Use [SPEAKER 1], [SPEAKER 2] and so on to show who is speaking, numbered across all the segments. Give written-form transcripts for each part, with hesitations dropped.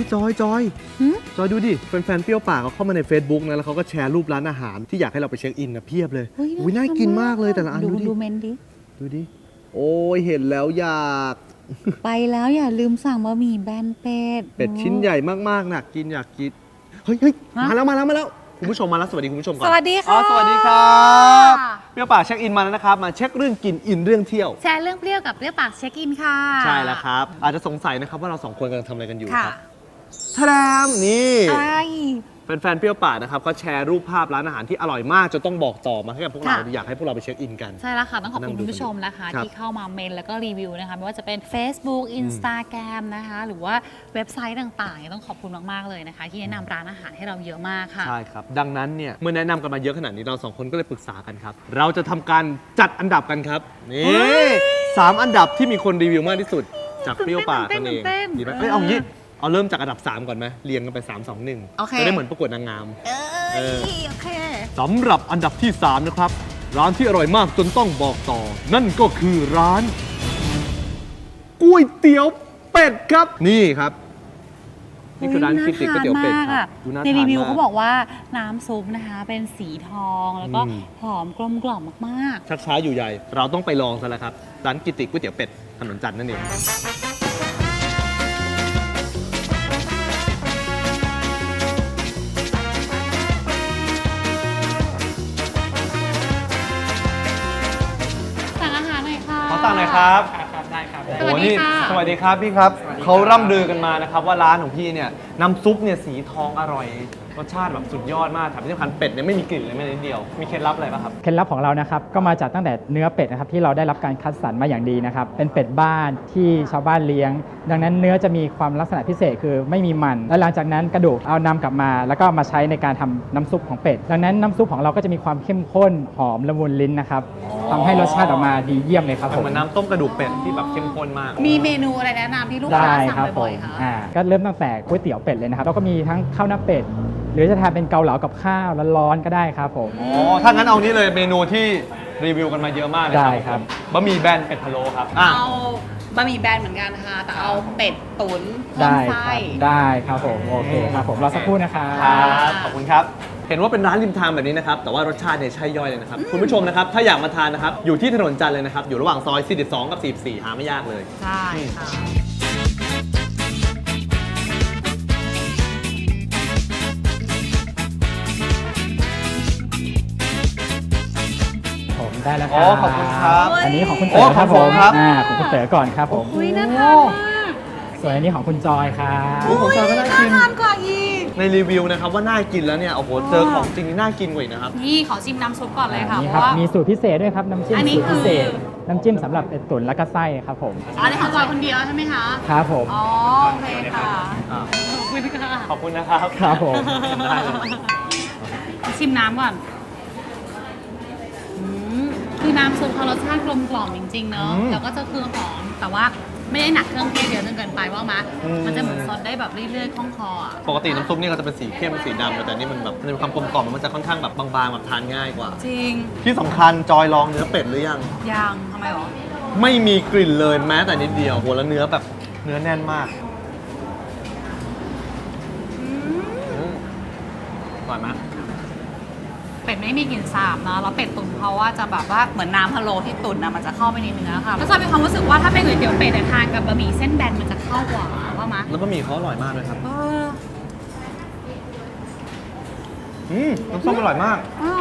[SPEAKER 1] จอยดูดิแฟนๆเปรี้ยวปากเขาเข้ามาใน Facebook นะแล้วเขาก็แชร์รูปร้านอาหารที่อยากให้เราไปเช็คอินนะเพียบเลยอุ้ยน่ากินมากเลยแต่ละอัน
[SPEAKER 2] ดูเมนดิ
[SPEAKER 1] โอ้ยเห็นแล้วอยาก
[SPEAKER 2] ไปแล้วอย่าลืมสั่งบะหมี่แบนเป็ด
[SPEAKER 1] ชิ้นใหญ่มากๆน่ะอยากกินเฮ้ยมาแล้วคุณผู้ชมมาแล้วสวัสดีคุณผู้ชมก่อน
[SPEAKER 2] สวัสดีค่ะ
[SPEAKER 1] สวัสดีครับเปรี้ยวปากเช็คอินมาแล้วนะครับมาเช็คเรื่องกินอินเรื่องเที่ยว
[SPEAKER 2] แชร์เรื่องเปรี้ยวกับเปรี้ยวปากเช็คอินค่ะ
[SPEAKER 1] ใช่แล้วครับอาจจะสงสัยนะครับว่าเรา2คนกำลังทำอะไรกันอยู่ครับทะมนี่แฟนๆเปรี้ยวปากนะครับเขาแชร์รูปภาพร้านอาหารที่อร่อยมากจนต้องบอกต่อมาให้กับพวกเราอยากให้พวกเราไปเช็คอินกัน
[SPEAKER 2] ใช่แล้วค่ะต้องขอบคุณคุณผู้ชมนะคะที่เข้ามาเมนแล้วก็รีวิวนะคะไม่ว่าจะเป็น Facebook Instagram นะคะหรือว่าเว็บไซต์ต่างๆต้องขอบคุณมากๆเลยนะคะที่แนะนำร้านอาหารให้เราเยอะมากค่ะ
[SPEAKER 1] ใช่ครับดังนั้นเนี่ยเมื่อแนะนำกันมาเยอะขนาดนี้เรา2คนก็เลยปรึกษากันครับเราจะทำการจัดอันดับกันครับนี่3อันดับที่มีคนรีวิวมากที่สุดจากเปรี้ยวปากนั่นเองดีไหมเอางี้เอาเริ่มจากอันดับ3ก่อนไหมเรียงกันไป3 2 1จะได้เหมือนประกวดนางงาม
[SPEAKER 2] โอเค
[SPEAKER 1] สำหรับอันดับที่3นะครับร้านที่อร่อยมากจนต้องบอกต่อนั่นก็คือร้านก๋วยเตี๋ยวเป็ดครับนี่ครับนี่คือร้านก๋วยเตี๋ยวเป็ดครับ
[SPEAKER 2] ในรีวิวเขาบอกว่าน้ำซุปนะคะเป็นสีทองแล้วก็หอมกลมกล่อมมาก
[SPEAKER 1] ๆชักช้าอยู่ใหญ่เราต้องไปลองซะแล้วครับร้านก๋วยเตี๋ยวเป็ดถนนจันทร์นั่นเองสั่งหน่อยครับ
[SPEAKER 3] ได้ครับ
[SPEAKER 1] โอ้นี่สวัสดีครับพี่ครับเขาร่ำลือกันมานะครับว่าร้านของพี่เนี่ยน้ำซุปเนี่ยสีทองอร่อยรสชาติแบบสุดยอดมากแถมที่สำคัญเป็ดเนี่ยไม่มีกลิ่นเลยแม้แต่นิดเดียวมีเคล็ดลับอะไรป่ะครับ
[SPEAKER 3] เคล็ดลับของเรานะครับก็มาจากตั้งแต่เนื้อเป็ดนะครับที่เราได้รับการคัดสรรมาอย่างดีนะครับเป็นเป็ดบ้านที่ชาวบ้านเลี้ยงดังนั้นเนื้อจะมีความลักษณะพิเศษคือไม่มีมันและหลังจากนั้นกระดูกเอานำกลับมาแล้วก็มาใช้ในการทำน้ำซุปของเป็ดดังนั้นน้ำซุปของเราก็จะมีความเข้มข้นหอมละมุนลิ้นนะครับทำให้รสชาติออกมาดีเยี่ยมเลยครับผม
[SPEAKER 1] เหมือนน้ำต้มกระดูกเป็ดที่แบบเข้มข้นมาก
[SPEAKER 2] มีเมนูอะไรแนะนำที่ลูกค้าสั่งบ่อยๆคะ
[SPEAKER 3] ก็เริ่มตั้งแต่ก๋วยเตี๋ยวเป็ดเลยนะครับแล้วก็มีทั้งข้าวหน้าเป็ดหรือจะทานเป็นเกาเหลากับข้าวร้อนๆก็ได้ครับผม
[SPEAKER 1] ถ้างั้นเอานี้เลยเมนูที่รีวิวกันมาเยอะมากเลย
[SPEAKER 3] ครับ
[SPEAKER 1] บะหมี่แบนเป็ดพะโล้ครับ
[SPEAKER 2] เอาบะหมี่แบนเหมือนกันค่ะแต่เอาเป็ดตุ๋นเพิ่มไส้
[SPEAKER 3] ได้ครับผมโอเคครับผมรอสักครู่นะครับ
[SPEAKER 1] ขอบคุณครับเห็นว่าเป็นร้านริมทางแบบนี้นะครับแต่ว่ารสชาติเนี่ยใช่ย่อยเลยนะครับคุณผู้ชมนะครับถ้าอยากมาทานนะครับอยู่ที่ถนนจันทร์เลยนะครับอยู่ระหว่างซอย42กับ44หาไม่ยากเลย
[SPEAKER 2] ใช่ค่ะ
[SPEAKER 3] ได้แล้วครับ
[SPEAKER 1] ขอบคุณครับ
[SPEAKER 3] อันนี้ของคุณเต๋อครับผมของคุณเต๋อก่อนครับผม
[SPEAKER 2] อุ้ยน่าทานมาก
[SPEAKER 3] ส่วนอันนี้ของคุณจอยครับ
[SPEAKER 1] ของจอยก็น่ากิน
[SPEAKER 2] กว่าอีก
[SPEAKER 1] ในรีวิวนะครับว่าน่ากินแล้วเนี่ยโอ้โหเจอของจริงนี่น่ากินกว่าอีกนะครับ
[SPEAKER 2] นี่ขอชิมน้ำซุปก่อนเลยค่ะ
[SPEAKER 3] นี่ครับมีสูตรพิเศษด้วยครับน้ำจิ้มสูตรพิเศษน้ำจิ้มสำหรับเป็ดตุ๋นและก็ไส้ครับผม
[SPEAKER 2] อันนี้ของจอยคนเดียวใช่ไหมคะ
[SPEAKER 3] ครับผม
[SPEAKER 2] อ๋อโอเคค่ะขอบคุณค่ะ
[SPEAKER 1] ขอบคุณนะครับ
[SPEAKER 3] ครับผม
[SPEAKER 1] ได้เลย
[SPEAKER 2] ชิมน้ำก่อนคือน้ำซุปเขารสชาติกลมกล่อมจริงๆเนอะแล้วก็จะคือหอมแต่ว่าไม่ได้หนักเครื่องเทศเยอะจนเกินไปว่ามันจะเหมือนซดได้แบบเรื่อยๆคล่องคอ
[SPEAKER 1] ปกติน้ำซุปนี่ก็จะเป็นสีเข้มสีดำแต่นี่มันแบบมันมีความกลมกล่อมมันจะค่อนข้างแบบบางๆแบบทานง่ายกว่า
[SPEAKER 2] จริง
[SPEAKER 1] ที่สำคัญจอยลองเนื้อเป็ดหรือยัง
[SPEAKER 2] ทำไมหรอ
[SPEAKER 1] ไม่มีกลิ่นเลยแม้แต่นิดเดียวโหแล้วเนื้อแบบเนื้อแน่นมากอร่อยไหม
[SPEAKER 2] เป็ดไม่มีกลิ่นสาบนะแล้วเป็ดตุ๋นเขาว่าจะแบบว่าเหมือนน้ำพะโล้ที่ตุ๋นนะมันจะเข้าไปในเนื้อค่ะแล้วจะมีความรู้สึกว่าถ้าเป็นก๋วยเตี๋ยวเป็ดทานกับบะหมี่เส้นแบนมันจะเข้ากว่าว่ามั้ย
[SPEAKER 1] แล้วบะหมี่เขาอร่อยมากเลยครับน้ำส้มอร่อยมาก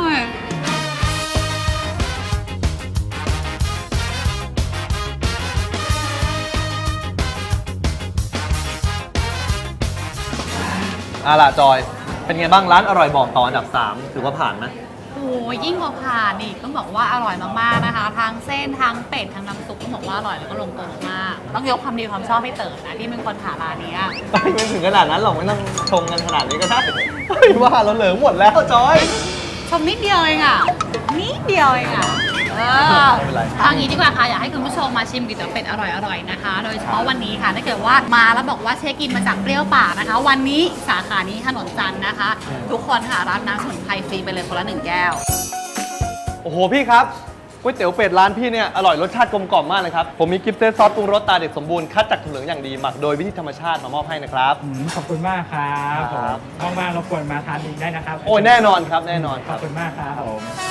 [SPEAKER 1] ล่ะจอยเป็นไงบ้างร้านอร่อยบอกต่ออันดับ3ถือว่าผ่านไหม
[SPEAKER 2] โอ้ยิ่งกว่าผ่านอีกต้องบอกว่าอร่อยมากๆนะคะทั้งเส้นทั้งเป็ดทั้งน้ำซุปต้องบอกว่าอร่อยแล้วก็ลงตัวมากต้องยกความดีความชอบให้เต๋อนะที่เป็นคนหาร้านนี้
[SPEAKER 1] ไม่ถึงขนาดนั้นหรอกไม่ต้องชงกันขนาดนี้ก็ได้ว่าเราเหลือหมดแล้วจอย
[SPEAKER 2] ชมนิดเดียวเองนิดเดียวเองทางนี้ดีกว่าค่ะอยากให้คุณผู้ชมมาชิมก๋วยเตี๋ยวเป็ดอร่อยๆนะคะโดยเฉพาะวันนี้ค่ะถ้าเกิดว่ามาแล้วบอกว่าเช็คอินมาจากเปรี้ยวปากนะคะวันนี้สาขานี้ถนนจันทร์นะคะทุกคนค่ะรับน้ำสมุนไพรฟรีไปเลยคนละ1 แก้ว
[SPEAKER 1] โอ้โหพี่ครับก๋วยเตี๋ยวเป็ดร้านพี่เนี่ยอร่อยรสชาติกลมกล่อมมากเลยครับผมมีกิฟต์เซตซอสปรุงรสตาเด็ดสมบูรณ์คัดจากถั่วเหลืองอย่างดีหมักโดยวิธีธรรมชาติมามอบให้นะครับ
[SPEAKER 3] ขอบคุณมากครับ
[SPEAKER 1] ครับ
[SPEAKER 3] ผมว่างๆรบกวนมาทานอีกได้นะครับ
[SPEAKER 1] โอ้ยแน่นอนครับแน่นอนค
[SPEAKER 3] ข
[SPEAKER 1] รั
[SPEAKER 3] อบบ คุณมากครับผม